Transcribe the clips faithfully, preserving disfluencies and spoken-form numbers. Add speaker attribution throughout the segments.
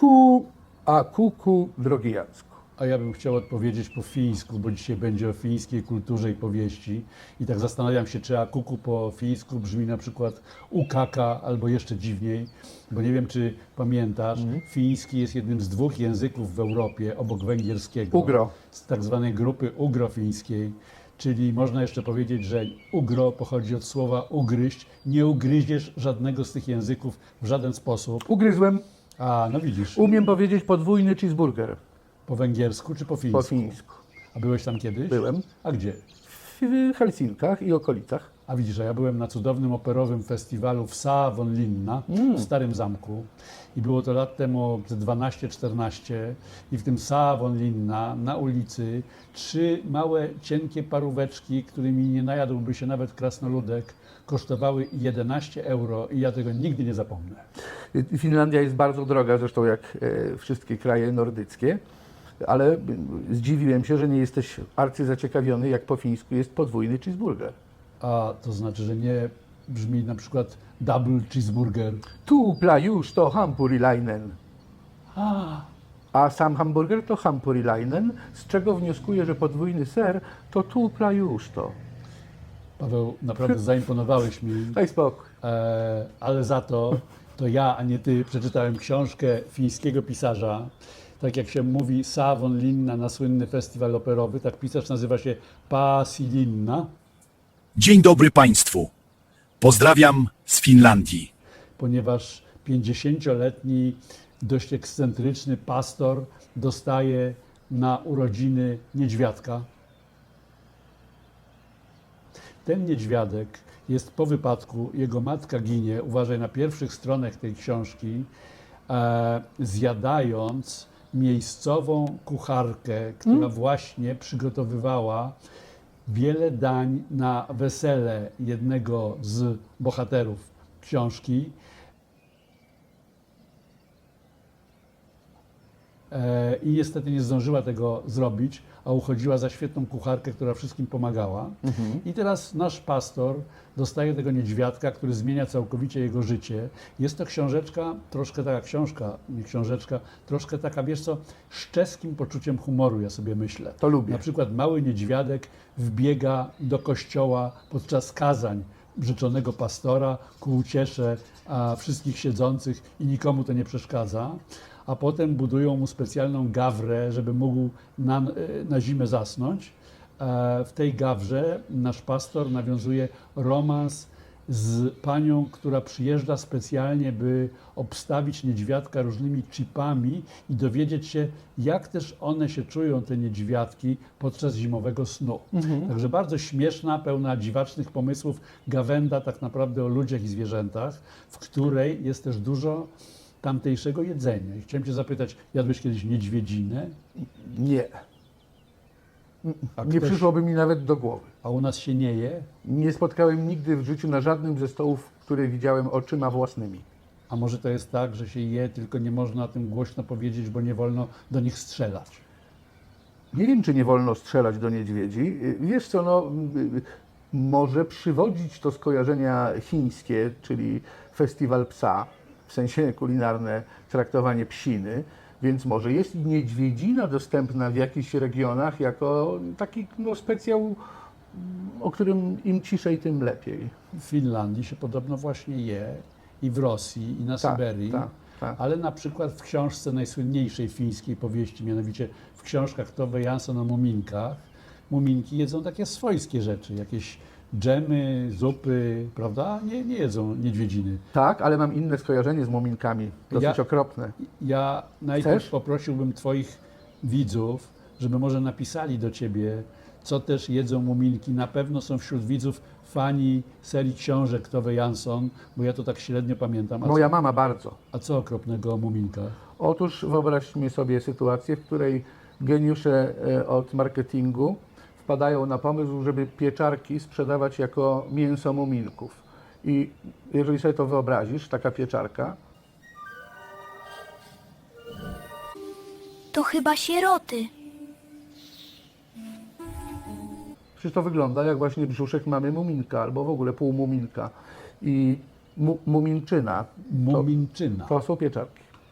Speaker 1: Kuku, a kuku, drogi Jacku.
Speaker 2: A ja bym chciał odpowiedzieć po fińsku, bo dzisiaj będzie o fińskiej kulturze i powieści. I tak zastanawiam się, czy akuku po fińsku brzmi na przykład ukaka albo jeszcze dziwniej, bo nie wiem, czy pamiętasz,
Speaker 1: Mhm.
Speaker 2: fiński jest jednym z dwóch języków w Europie obok węgierskiego.
Speaker 1: Ugro.
Speaker 2: Z tak zwanej grupy ugrofińskiej. Czyli można jeszcze powiedzieć, że ugro pochodzi od słowa ugryźć. Nie ugryziesz żadnego z tych języków w żaden sposób.
Speaker 1: Ugryzłem.
Speaker 2: A, no widzisz,
Speaker 1: Umiem powiedzieć podwójny cheeseburger
Speaker 2: po węgiersku czy po fińsku?
Speaker 1: po fińsku.
Speaker 2: A byłeś tam kiedyś?
Speaker 1: Byłem.
Speaker 2: A gdzie?
Speaker 1: W Helsinkach i okolicach.
Speaker 2: A widzisz, a ja byłem na cudownym operowym festiwalu w Savonlinna
Speaker 1: Mm.
Speaker 2: w Starym Zamku i było to lat temu dwanaście czternaście i w tym Savonlinna na ulicy trzy małe, cienkie paróweczki, którymi nie najadłby się nawet krasnoludek, kosztowały jedenaście euro i ja tego nigdy nie zapomnę.
Speaker 1: Finlandia jest bardzo droga, zresztą jak e, wszystkie kraje nordyckie, ale zdziwiłem się, że nie jesteś arcyzaciekawiony, jak po fińsku jest podwójny cheeseburger.
Speaker 2: A to znaczy, że nie brzmi na przykład double cheeseburger.
Speaker 1: Tupla już to hampurilainen.
Speaker 2: A,
Speaker 1: A sam hamburger to hampurilainen, z czego wnioskuję, że podwójny ser to tupla już to.
Speaker 2: Paweł, naprawdę zaimponowałeś mi.
Speaker 1: Daj spokój.
Speaker 2: E, ale za to, to ja, a nie ty, przeczytałem książkę fińskiego pisarza. Tak jak się mówi Savonlinna na słynny festiwal operowy, tak pisarz nazywa się Pasilinna,
Speaker 3: Dzień dobry Państwu. Pozdrawiam z Finlandii.
Speaker 2: ponieważ pięćdziesięcioletni, dość ekscentryczny pastor dostaje na urodziny niedźwiadka. Ten niedźwiadek jest po wypadku, jego matka ginie, uważaj, na pierwszych stronach tej książki, e, zjadając miejscową kucharkę, która
Speaker 1: Hmm?
Speaker 2: właśnie przygotowywała wiele dań na wesele jednego z bohaterów książki. E, I niestety nie zdążyła tego zrobić, a uchodziła za świetną kucharkę, która wszystkim pomagała. I teraz nasz pastor dostaje tego niedźwiadka, który zmienia całkowicie jego życie. Jest to książeczka, troszkę taka książka, nie książeczka, troszkę taka, wiesz co, z czeskim poczuciem humoru, ja sobie myślę.
Speaker 1: To lubię.
Speaker 2: Na przykład mały niedźwiadek wbiega do kościoła podczas kazań rzeczonego pastora ku uciesze a, wszystkich siedzących i nikomu to nie przeszkadza. A potem budują mu specjalną gawrę, żeby mógł na, na zimę zasnąć. E, W tej gawrze nasz pastor nawiązuje romans z panią, która przyjeżdża specjalnie, by obstawić niedźwiadka różnymi chipami i dowiedzieć się, jak też one się czują, te niedźwiadki, podczas zimowego snu. Także bardzo śmieszna, pełna dziwacznych pomysłów gawenda tak naprawdę o ludziach i zwierzętach, w której jest też dużo tamtejszego jedzenia. I chciałem cię zapytać, jadłeś kiedyś niedźwiedzinę?
Speaker 1: Nie.
Speaker 2: A
Speaker 1: Nie
Speaker 2: ktoś-
Speaker 1: przyszłoby mi nawet do głowy.
Speaker 2: A u nas się nie je?
Speaker 1: Nie spotkałem nigdy w życiu na żadnym ze stołów, które widziałem oczyma własnymi.
Speaker 2: A może to jest tak, że się je, tylko nie można o tym głośno powiedzieć, bo nie wolno do nich strzelać?
Speaker 1: Nie wiem, czy nie wolno strzelać do niedźwiedzi. Wiesz co, no, może przywodzić to skojarzenia chińskie, czyli festiwal psa, w sensie kulinarne traktowanie psiny, więc może jest niedźwiedzina dostępna w jakichś regionach jako taki no, specjał, o którym im ciszej, tym lepiej.
Speaker 2: W Finlandii się podobno właśnie je i w Rosji, i na
Speaker 1: Tak,
Speaker 2: Syberii.
Speaker 1: tak, tak.
Speaker 2: Ale na przykład w książce najsłynniejszej fińskiej powieści, mianowicie w książkach Tove Jansson o muminkach, muminki jedzą takie swojskie rzeczy, jakieś dżemy, zupy, prawda? Nie, nie jedzą niedźwiedziny.
Speaker 1: Tak, ale mam inne skojarzenie z muminkami, dosyć
Speaker 2: Ja-
Speaker 1: okropne.
Speaker 2: Ja najpierw
Speaker 1: Chcesz?
Speaker 2: poprosiłbym Twoich widzów, żeby może napisali do Ciebie, co też jedzą muminki. Na pewno są wśród widzów fani serii książek Tove Jansson, bo ja to tak średnio pamiętam. A,
Speaker 1: Moja mama bardzo.
Speaker 2: a co okropnego o muminkach?
Speaker 1: Otóż wyobraźmy sobie sytuację, w której geniusze e, od marketingu wpadają na pomysł, żeby pieczarki sprzedawać jako mięso muminków. I jeżeli sobie to wyobrazisz, taka pieczarka,
Speaker 4: To chyba sieroty.
Speaker 1: przecież to wygląda jak właśnie brzuszek mamy muminka, albo w ogóle półmuminka. I mu, muminczyna, to,
Speaker 2: Muminczyna.
Speaker 1: to są pieczarki.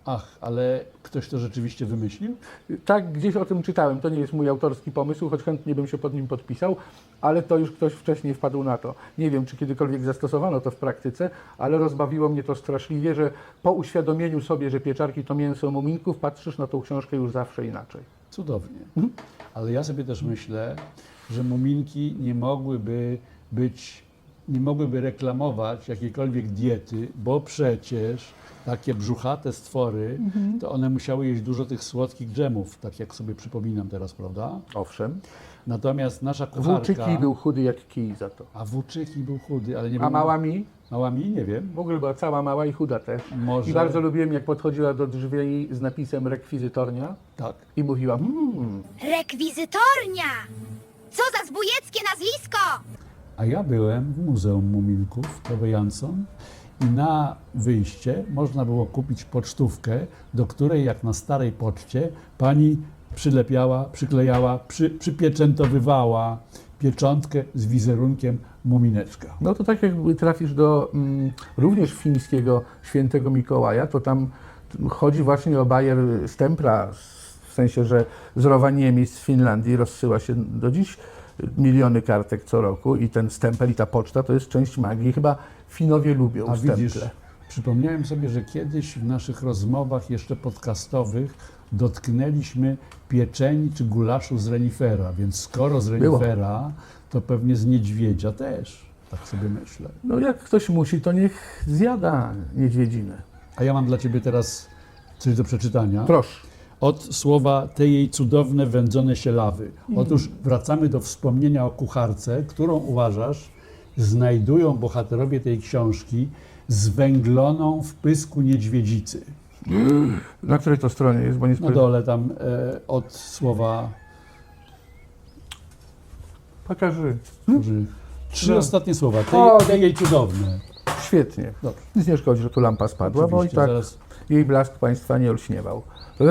Speaker 2: Ach, ale ktoś to rzeczywiście wymyślił?
Speaker 1: Tak, gdzieś o tym czytałem. To nie jest mój autorski pomysł, choć chętnie bym się pod nim podpisał, ale to już ktoś wcześniej wpadł na to. Nie wiem, czy kiedykolwiek zastosowano to w praktyce, ale rozbawiło mnie to straszliwie, że po uświadomieniu sobie, że pieczarki to mięso muminków, patrzysz na tą książkę już zawsze inaczej.
Speaker 2: Cudownie. Ale ja sobie też myślę, że muminki nie mogłyby być, nie mogłyby reklamować jakiejkolwiek diety, bo przecież takie brzuchate stwory, to one musiały jeść dużo tych słodkich dżemów, tak jak sobie przypominam teraz, prawda?
Speaker 1: Owszem.
Speaker 2: Natomiast nasza kucharka...
Speaker 1: Włóczyki był chudy jak kij za to.
Speaker 2: A Włóczyki był chudy, ale nie był...
Speaker 1: A mała mi?
Speaker 2: Mała mi? Nie wiem.
Speaker 1: W ogóle była cała mała i chuda też.
Speaker 2: Może...
Speaker 1: I bardzo lubiłem, jak podchodziła do drzwi z napisem rekwizytornia
Speaker 2: Tak.
Speaker 1: i mówiła mmm.
Speaker 4: Rekwizytornia! Co za zbójeckie nazwisko!
Speaker 2: A ja byłem w Muzeum Muminków Tove Jansson i na wyjście można było kupić pocztówkę, do której jak na starej poczcie pani przylepiała, przyklejała, przy, przypieczętowywała pieczątkę z wizerunkiem mumineczka.
Speaker 1: No to tak jakby trafisz do mm, również fińskiego świętego Mikołaja, to tam chodzi właśnie o bajer stempla, w sensie, że z Rovaniemi z Finlandii rozsyła się do dziś miliony kartek co roku i ten stempel i ta poczta to jest część magii. Chyba Finowie lubią
Speaker 2: A
Speaker 1: stemple.
Speaker 2: widzisz, przypomniałem sobie, że kiedyś w naszych rozmowach jeszcze podcastowych dotknęliśmy pieczeni czy gulaszu z renifera, więc skoro z
Speaker 1: Było.
Speaker 2: renifera, to pewnie z niedźwiedzia też, tak sobie myślę.
Speaker 1: No jak ktoś musi, to niech zjada niedźwiedzinę.
Speaker 2: A ja mam dla Ciebie teraz coś do przeczytania.
Speaker 1: Proszę.
Speaker 2: Od słowa te jej cudowne wędzone sielawy. Otóż wracamy do wspomnienia o kucharce, którą uważasz znajdują bohaterowie tej książki zwęgloną w pysku niedźwiedzicy.
Speaker 1: Na której to stronie jest? Bo nie
Speaker 2: Na
Speaker 1: spojrzałem.
Speaker 2: dole tam e, od słowa
Speaker 1: Pokaży.
Speaker 2: Może trzy
Speaker 1: No.
Speaker 2: ostatnie słowa.
Speaker 1: O,
Speaker 2: Te, te jej cudowne.
Speaker 1: Świetnie.
Speaker 2: Dobrze.
Speaker 1: Nic nie szkodzi, że tu lampa spadła, bo i
Speaker 2: Oczywiście,
Speaker 1: tak
Speaker 2: zaraz-
Speaker 1: jej blask Państwa nie olśniewał.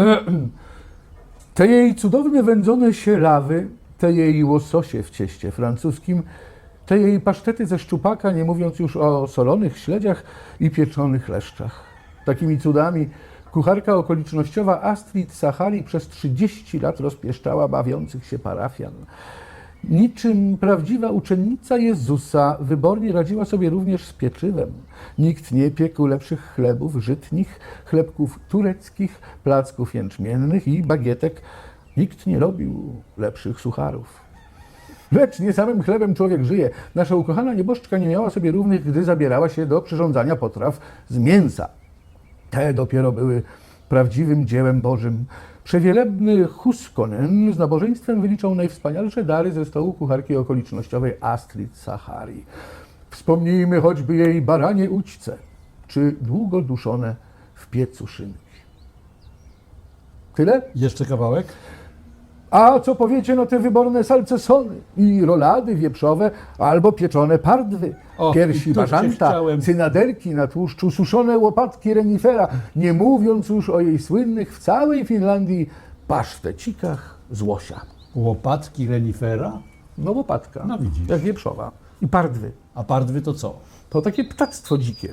Speaker 1: Te jej cudowne wędzone sielawy, te jej łososie w cieście francuskim, te jej pasztety ze szczupaka, nie mówiąc już o solonych śledziach i pieczonych leszczach. Takimi cudami kucharka okolicznościowa Astrid Sahari przez trzydzieści lat rozpieszczała bawiących się parafian. Niczym prawdziwa uczennica Jezusa wybornie radziła sobie również z pieczywem. Nikt nie piekł lepszych chlebów żytnich, chlebków tureckich, placków jęczmiennych i bagietek. Nikt nie robił lepszych sucharów. Lecz nie samym chlebem człowiek żyje. Nasza ukochana nieboszczka nie miała sobie równych, gdy zabierała się do przyrządzania potraw z mięsa. Te dopiero były prawdziwym dziełem Bożym. Przewielebny Huskonen z nabożeństwem wyliczał najwspanialsze dary ze stołu kucharki okolicznościowej Astrid Sahari. Wspomnijmy choćby jej baranie ućce, czy długo duszone w piecu szynki. Tyle?
Speaker 2: Jeszcze kawałek?
Speaker 1: A co powiecie no te wyborne salcesony i rolady wieprzowe albo pieczone pardwy,
Speaker 2: Och,
Speaker 1: piersi
Speaker 2: i to cię
Speaker 1: bażanta,
Speaker 2: chciałem.
Speaker 1: cynaderki na tłuszczu, suszone łopatki renifera, nie mówiąc już o jej słynnych w całej Finlandii pasztecikach z łosia.
Speaker 2: Łopatki renifera?
Speaker 1: No łopatka,
Speaker 2: No widzisz.
Speaker 1: jak wieprzowa. I pardwy.
Speaker 2: A pardwy to co?
Speaker 1: To takie ptactwo dzikie.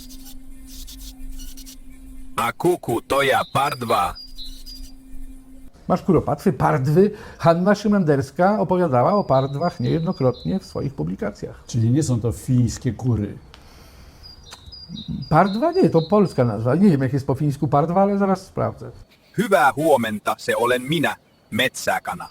Speaker 5: A kuku to ja pardwa.
Speaker 1: Masz kuropatwy, pardwy. Hanna Szymanderska opowiadała o pardwach niejednokrotnie w swoich publikacjach.
Speaker 2: Czyli nie są to fińskie kury.
Speaker 1: Pardwa? Nie, to polska nazwa. Nie wiem, jak jest po fińsku pardwa, ale zaraz sprawdzę.
Speaker 5: Hyvää huomenta, se olen minä, metsäkana.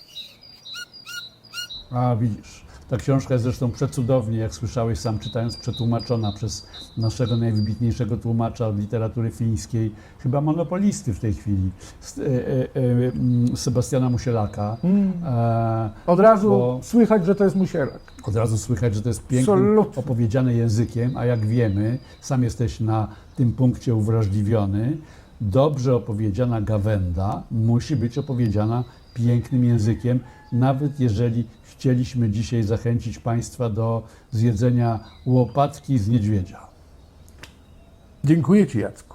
Speaker 2: A widzisz, ta książka jest zresztą przecudownie, jak słyszałeś sam czytając, przetłumaczona przez naszego najwybitniejszego tłumacza od literatury fińskiej, chyba monopolisty w tej chwili, S- e, e, e, m, Sebastiana Musielaka. E,
Speaker 1: Od razu
Speaker 2: Bo-
Speaker 1: słychać, że to jest musielak.
Speaker 2: Od razu słychać, że to jest pięknym,
Speaker 1: Absolutnie.
Speaker 2: opowiedziane językiem, a jak wiemy, sam jesteś na tym punkcie uwrażliwiony, dobrze opowiedziana gawenda musi być opowiedziana pięknym językiem, nawet jeżeli chcieliśmy dzisiaj zachęcić Państwa do zjedzenia łopatki z niedźwiedzia.
Speaker 1: Dziękuję Ci, Jacku.